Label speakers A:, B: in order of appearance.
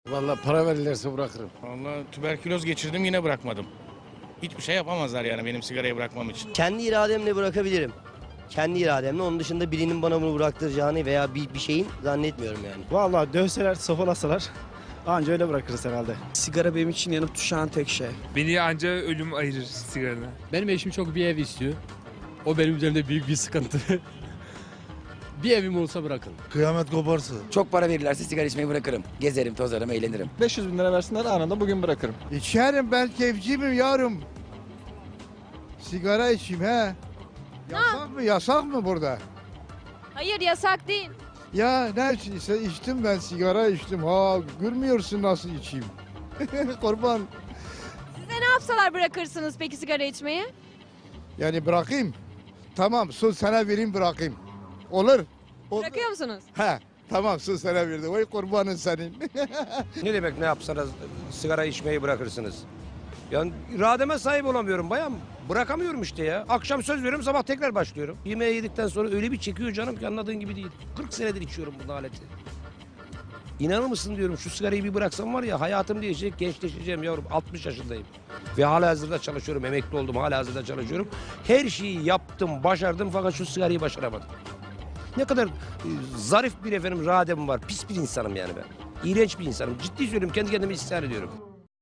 A: Vallahi para verirlerse bırakırım.
B: Vallahi tüberküloz geçirdim yine bırakmadım. Hiçbir şey yapamazlar yani benim sigarayı bırakmam için.
C: Kendi irademle bırakabilirim. Kendi irademle. Onun dışında birinin bana bunu bıraktıracağını veya bir şeyin zannetmiyorum yani.
D: Vallahi dövseler, sopalasalar anca öyle bırakırız herhalde.
E: Sigara benim için yanıp tutuşan tek şey.
F: Beni anca ölüm ayırır sigaradan.
G: Benim eşim çok bir ev istiyor. O benim üzerimde büyük bir sıkıntı. Bir evim olsa bırakın.
H: Kıyamet koparsa.
I: Çok para verirlerse sigara içmeyi bırakırım. Gezerim, tozarım, eğlenirim.
E: 500 bin lira versinler anında bugün bırakırım.
H: İçerim, ben keyifciyim yavrum. Sigara içeyim he. Yasak mı? Yasak mı burada?
J: Hayır, yasak değil.
H: Ya ne içtim, ben sigara içtim. Ha, görmüyorsun nasıl içeyim. Kurban.
J: Size ne yapsalar bırakırsınız peki sigara içmeyi?
H: Yani bırakayım. Tamam, söz sana vereyim, bırakayım. Olur.
J: Bırakıyor musunuz?
H: He. Tamam, söz sana verdim. Vay kurbanın senin.
K: Ne demek ne yapsanız sigara içmeyi bırakırsınız? Yani irademe sahip olamıyorum bayan. Bırakamıyorum işte ya. Akşam söz veriyorum, sabah tekrar başlıyorum. Yemeği yedikten sonra öyle bir çekiyor canım ki anladığın gibi değil. 40 senedir içiyorum bu aleti. İnanır mısın diyorum, şu sigarayı bir bıraksam var ya, hayatım değişecek, gençleşeceğim yavrum. 60 yaşındayım. Ve halihazırda çalışıyorum, emekli oldum, halihazırda çalışıyorum. Her şeyi yaptım, başardım fakat şu sigarayı başaramadım. Ne kadar zarif bir iradem var. Pis bir insanım yani ben. İğrenç bir insanım. Ciddi söylüyorum, kendi kendime isyan ediyorum.